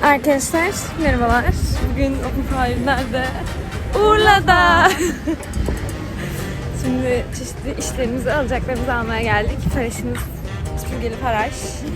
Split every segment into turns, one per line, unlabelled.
Arkadaşlar merhabalar. Bugün Open Fire nerede? Urla'da. Şimdi çeşitli işlerimizi, alacaklarımızı almaya geldik. Paraşımız süpürgeli paraş.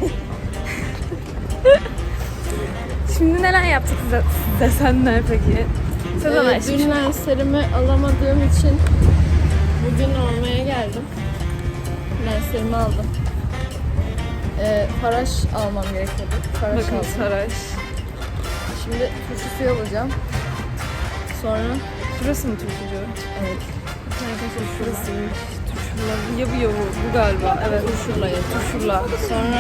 Şimdi neler yaptık desenler peki?
Dün lenslerimi alamadığım için bugün almaya geldim. Lenslerimi aldım. Paraş almam gerekiyordu. Paraş
Bakın
aldım.
paraş.
Şimdi turşu suyu alacağım. Sonra
Burası mı turşucu?
evet.
Burasıymış. Turşurla. Ya bu galiba. Evet.
Turşurla yedim.
Turşurla.
Sonra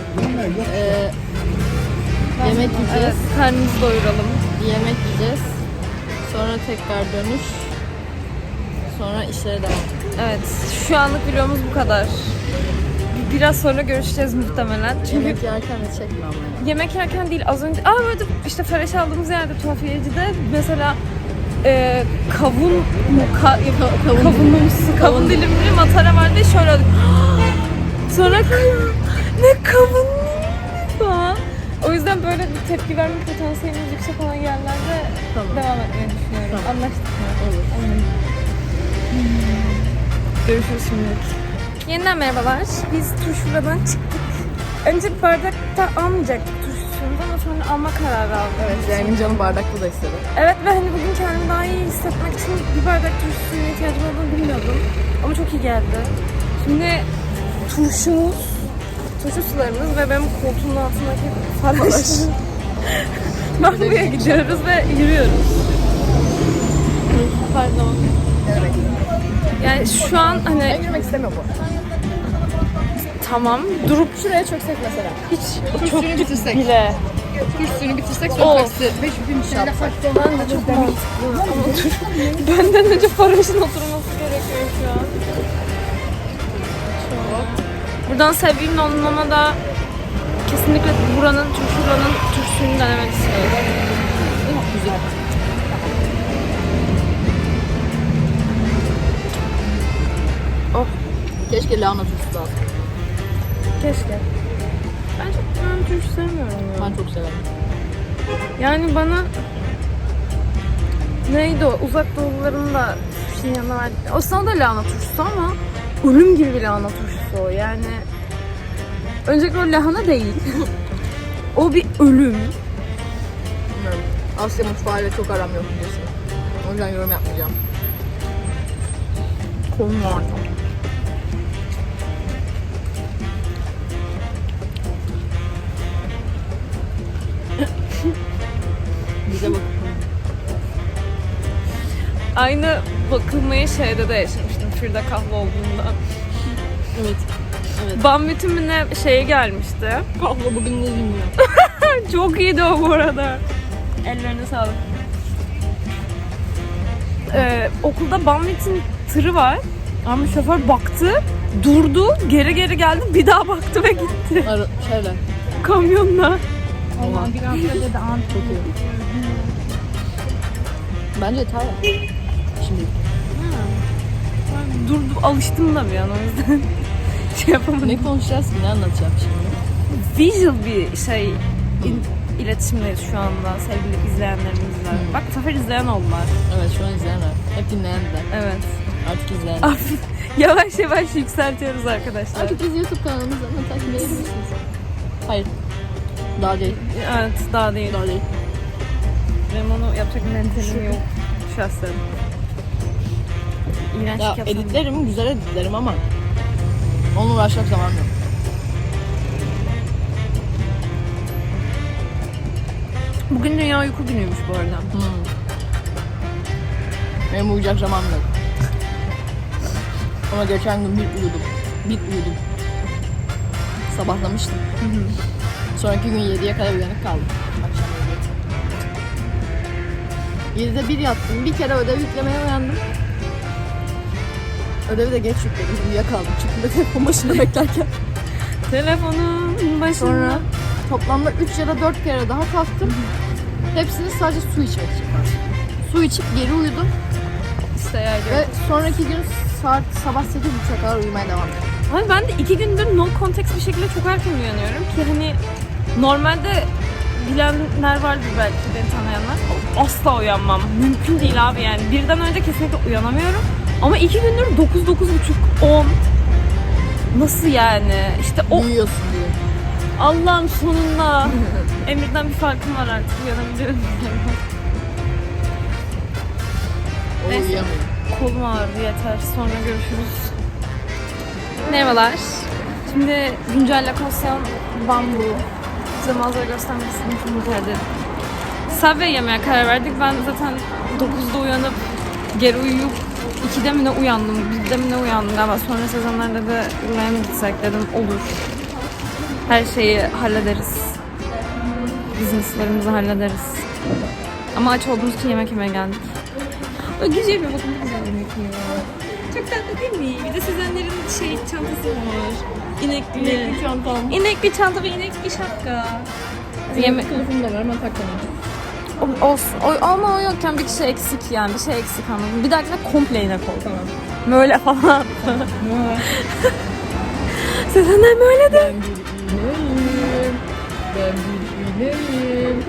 yemek
Evet,
yiyeceğiz.
karnımızı doyuralım.
Yemek yiyeceğiz. Sonra tekrar dönüş. Sonra işlere devam.
Evet, şu anlık vlogumuz bu kadar. Biraz sonra görüşeceğiz muhtemelen. Çünkü
Yemek yerken de çekme ama ya.
yemek yerken değil, az önce... Böyle işte fresh aldığımız yerde tuhafiyecide mesela kavun kavun dilimli matara vardı. Şöyle oldu. Sonra ne kavun falan. O yüzden böyle bir tepki verme potansiyelimiz yüksek olan yerlerde devam etmeyi düşünüyorum.
Tamam.
Anlaştık mı?
Olur.
Görüşürüz şimdi. Yeniden merhabalar. Biz turşuradan çıktık. Önce bardakta almayacaktık turşusunu ama sonra alma kararı aldık.
Evet, Zeynep'in canı bardaklı da istedi.
Evet ve hani bugün kendimi daha iyi hissetmek için bir bardak turşu suyuna ihtiyacım olduğunu bilmiyordum. Ama çok iyi geldi. Şimdi turşu sularımız ve benim koltuğumun altındaki faraş. Mahmur'a gidiyoruz ve yürüyoruz. Pardon.
Evet.
Yani şu an
Ben
hani
yürümek istemiyorum bu.
tamam durup
Şuraya çöksek mesela.
hiç
Çok bitirsek.
bile.
Kuş suyunu bitirsek
Of.
sonra taksi 5000 şey yapsak.
Ben de çok mantıklı. Ama dur. Benden önce paraşın oturması gerekiyor şu an. Buradan sevgilimle onunla da kesinlikle buranın turşusunu denemek istiyorum.
Güzel.
Oh.
Keşke lahana turşusu da alsın.
Keşke. Ben turşu sevmiyorum ya.
Ben çok severim.
Yani bana neydi o? Uzak doğuların da sushi'nin yanına verdik. Aslında da lahana turşusu ama ölüm gibi bir lahana turşusu o. Yani öncelikle o lahana değil. O bir ölüm.
Bilmiyorum. Asya mutfağıyla çok aram yok biliyorsun. O yüzden yorum yapmayacağım.
Konu var.
Bize bak.
Aynı bakılmayı şeyde de yaşamıştım. Firda kahve olduğunda.
Evet.
Bambüt'ün mü ne şeye gelmişti.
Kahve bugün ne bilmiyorum.
Çok iyiydi o bu arada. Ellerine sağlık. Okulda Bambüt'ün tırı var. Ama şoför baktı, durdu, geri geldi, bir daha baktı ve gitti.
Şöyle.
Kamyonla.
Allah'ım bir haftada da an çok iyi. Bence yeter ya. Şimdi.
Durdu, alıştım da bir an o yüzden. Şey yapamadım.
Ne konuşacağız ki? Ne anlatacağım şimdi?
Visual bir şey iletişimdeyiz şu anda sevgili izleyenlerimizle. Bak bu sefer izleyen oldular.
Evet şu an izleyenler. Hep dinleyenler.
Evet.
Artık izleyenler.
Yavaş yavaş yükseltiyoruz arkadaşlar.
Artık biz YouTube kanalımızdan takip edebilirsiniz. Hayır. Daha değil.
Evet, daha değil.
Daha değil.
Benim onu yapacak mentalim yok şahsen. İğrenç
Ya
yapsam.
editlerim, güzel editlerim ama onunla uğraşacak zaman yok.
Bugün Dünya Uyku Günüymüş bu arada.
Benim uyuyacak zamanım yok. Ama geçen gün bir uyudum. Sabahlamıştım. Sonraki gün 7'ye kadar uyanık kaldım. Akşam 7'de 1 yattım. Bir kere ödev yüklemeye uyandım. Ödevi de geç yükledim. Uyuyakaldım. Çünkü telefon başında beklerken.
Telefonun başında.
Sonra toplamda 3 ya da 4 kere daha kalktım. Hepsini sadece su içmek için. Su içip geri uyudum.
İşte yani.
Ve sonraki gün saat sabah 8.30'a kadar uyumaya devam ettim.
Hani ben de 2 gündür no context bir şekilde çok erken uyanıyorum ki hani normalde bilenler vardır belki beni tanıyanlar. Asla uyanmam. Mümkün değil abi yani. Birden önce kesinlikle uyanamıyorum. Ama 2 gündür 9, 9.30, 10. Nasıl yani? İşte o
Uyuyorsun diye.
Allah'ım sonunda. Emir'den bir farkım var artık. Uyanabiliyorum.
O
Neyse.
uyuyamıyor.
Kolum ağrıdı yeter. Sonra görüşürüz. Merhabalar. Şimdi güncel lokasyon Bambu. Size manzara göstermek istedim. Çok mutlu ederim. Subway yemeye karar verdik. Ben zaten 9'da uyanıp geri uyuyup 2'de mi ne uyandım, 1'de mi ne uyandım galiba. Sonra sezonlarda da buraya mı gitsek dedim. Olur. Her şeyi hallederiz. Business'larımızı hallederiz. Ama aç olduğumuz için yemek yemeye geldik. O güzel mi? Bakın ne güzel yemek yiyor. Çok tatlı değil mi? Bir de Sezenler'in çantası var. İnekli.
Çantam.
İnekli çanta ve inekli şapka.
Yemek kılıfım da var ama takmadım.
Olsun. Ama o yokken bir şey eksik yani. Bir şey eksik anladım. Bir dahakine komple inek ol. Tamam. Böyle falan. Sezenler böyle de.
Ben bir ineğim.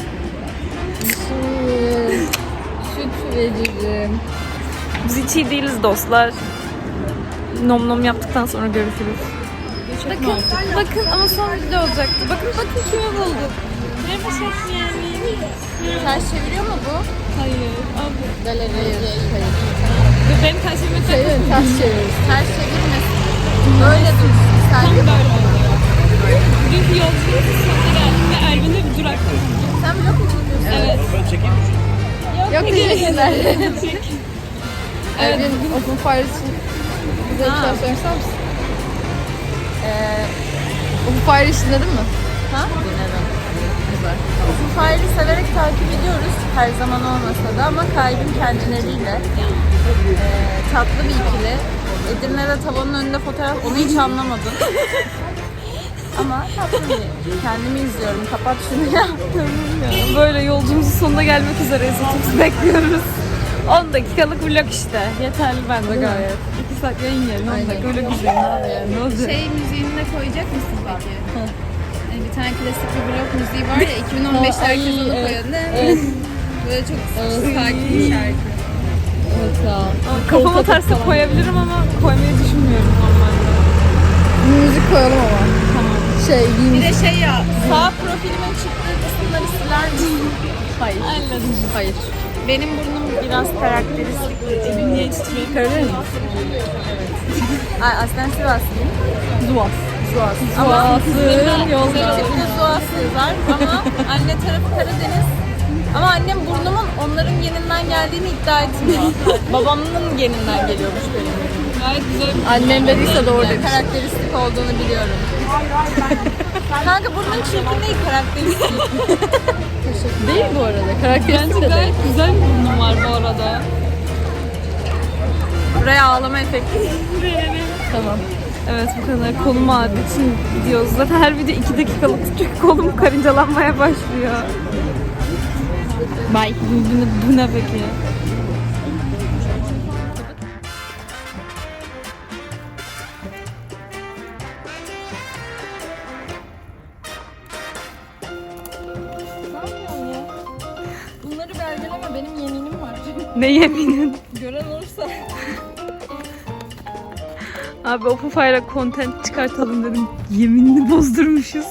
Süt veririm.
Biz hiç iyi değiliz dostlar. Nom nom yaptıktan sonra görüşürüz. Bakın ama son video olacaktı. Bakın kimi bulduk. Merhaba Şekmiyemi.
Ters çeviriyor mu bu?
Hayır. Abi.
Hayır. Hayır.
Benim karşıma
Ters çeviriyoruz. Ters çevirmesin. Böyle dursun. Sen
tam böyle oluyor. Dünkü yolculuğun sonuna geldik ve Elvin'de bir durakta.
Sen vlog mu çekiyorsun?
Evet.
Ben çekeyim mi?
Yok teşekkürler.
Çek.
Evin Open Fire için bize bir şey söyler misin? Open Fire için dedin mi?
Ha?
Dinledim. Güzel.
Open Fire'ı severek takip ediyoruz. Her zaman olmasa da ama kalbim kendileriyle. Tatlı bir ikili. Edirne'de tavanın önünde fotoğraf, onu hiç anlamadım. Ama tatlı bir. Kendimi izliyorum. Kapat şunu ya.
Böyle yolculuğumuzun sonuna gelmek üzereyiz. Otobüsü bekliyoruz. 10 dakikalık vlog işte. Yeterli bence gayet. 2 saat yayın yerine 10 dakika öyle güzel. Ne olacak?
Şey müziğini de koyacak mısın peki? Hani bir tane klasik bir blok müziği var ya 2015'te herkes onu koyuyordu. Evet. Böyle çok sakin bir şarkı.
Evet ya.
Kafama terse koyabilirim ama koymayı düşünmüyorum normalde.
Müzik koyalım ama. Tamam.
Bir de şey ya
Sağ profilimin çıktığı kısımları siler misin?
Hayır. Hayır.
Benim burnum biraz karakteristik.
Niye titriyor?
Karadeniz.
Ay, aslen Sivaslıyım.
Zuas.
Ama
Zuas'ın yolda.
tipte Zuas yazar ama anne tarafı Karadeniz. Ama annem burnumun onların geninden geldiğini iddia etmiyor. Babamın geninden geliyormuş benim.
Gayet güzel.
Annem dediyse doğru
Yani
demiş.
karakteristik olduğunu biliyorum. Kanka burnun çirkin değil, karakteristik.
Değil bu arada. Karakteristik
Bence
de değil.
gayet güzel bir burnum var bu arada.
Buraya ağlama efekti.
Tamam.
Evet bu kadar kolum ağrıdığı için gidiyoruz. Zaten her video 2 dakikalık çünkü kolum karıncalanmaya başlıyor. Bye. Bu ne peki?
Bunları belgeleme, benim yeminim var.
Ne yeminin?
Gören olursa.
Abi Open Fire'a content çıkartalım dedim. Yeminini bozdurmuşuz.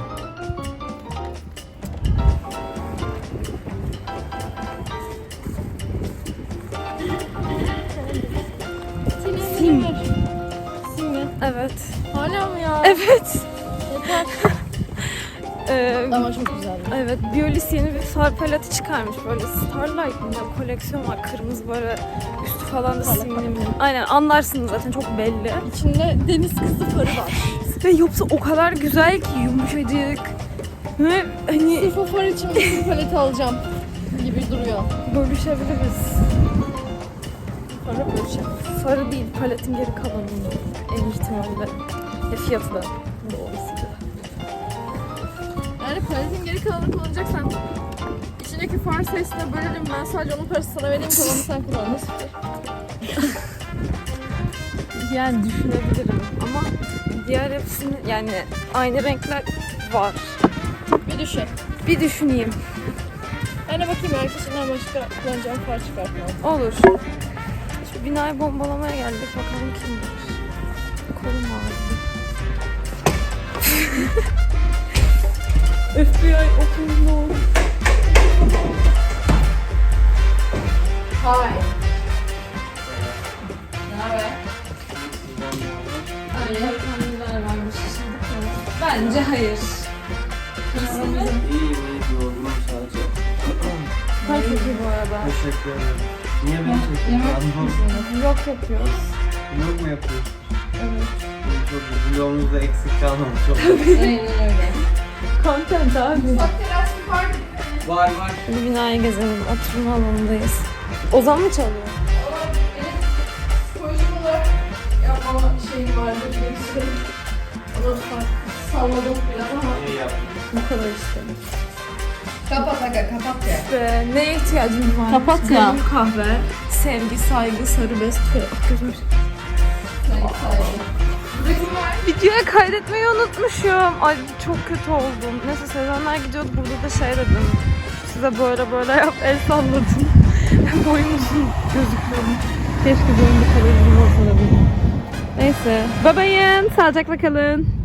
Sim.
Sim mi?
Evet.
Hala mı ya?
Evet.
Yeter. Ama çok güzel.
Evet, Biolis yeni bir far paleti çıkarmış. Böyle Starlight mı ne koleksiyon var. Kırmızı böyle üstü falan da simli mi? Aynen anlarsınız zaten çok belli.
İçinde deniz kızı farı var.
Ve yoksa o kadar güzel ki yumuşacık. Ve hani
Sırf o far için bir paleti alacağım gibi duruyor.
bölüşebiliriz.
Farı bölüşelim.
Farı değil, paletin geri kalanını en ihtimalle. Fiyatı da dolayısıyla.
Yani paletin geri kalanını kullanacaksan içindeki far sayısına bölelim. Ben sadece onun parası sana vereyim, kalanını sen kullan. Nasıl fikir?
Yani düşünebilirim ama diğer hepsinin yani aynı renkler var.
Bir düşün.
Bir düşüneyim.
Ben de bakayım herkesinden başka kullanacağım far çıkartmam.
Olur. Şu binayı bombalamaya geldik. Bakalım kim var. Kolum ağrıdı. FBI open door.
Hi. Ne haber?
Neler varmış şimdi. Bence hayır.
İyi yorgunum sadece.
Ben çok iyi bu arada.
Teşekkür ederim. Niye beni çekiyorsun?
Vlog yapıyoruz.
Vlog mu yapıyorsun?
Evet.
İyi, çok iyi. Vlogumuzda eksik kalmamış. Çok
Aynen öyle. Content abi.
Bak teras var.
var.
Bir binayı gezelim. Oturma alanındayız. Ozan mı çalıyor?
Ama benim psikolojik olarak yapmama şeyim vardı. Biliyorsun. Onu salladım biraz ama.
İyi yaptın.
Bu kadar işte.
Kapat aga kapat ya.
Ve neye ihtiyacım var?
Kapat ya.
Kalem, kahve, sevgi, saygı, sarı bez. Gözüm. Videoya kaydetmeyi unutmuşum. Ay çok kötü oldum. Neyse Sezenler gidiyordu. Burada da şey dedim. Size böyle yap, el salladım. Boyum uzun gözüküyor. Keşke boyum bu kadar uzun olsa da benim. Neyse. Babayın. Sağlıcakla kalın.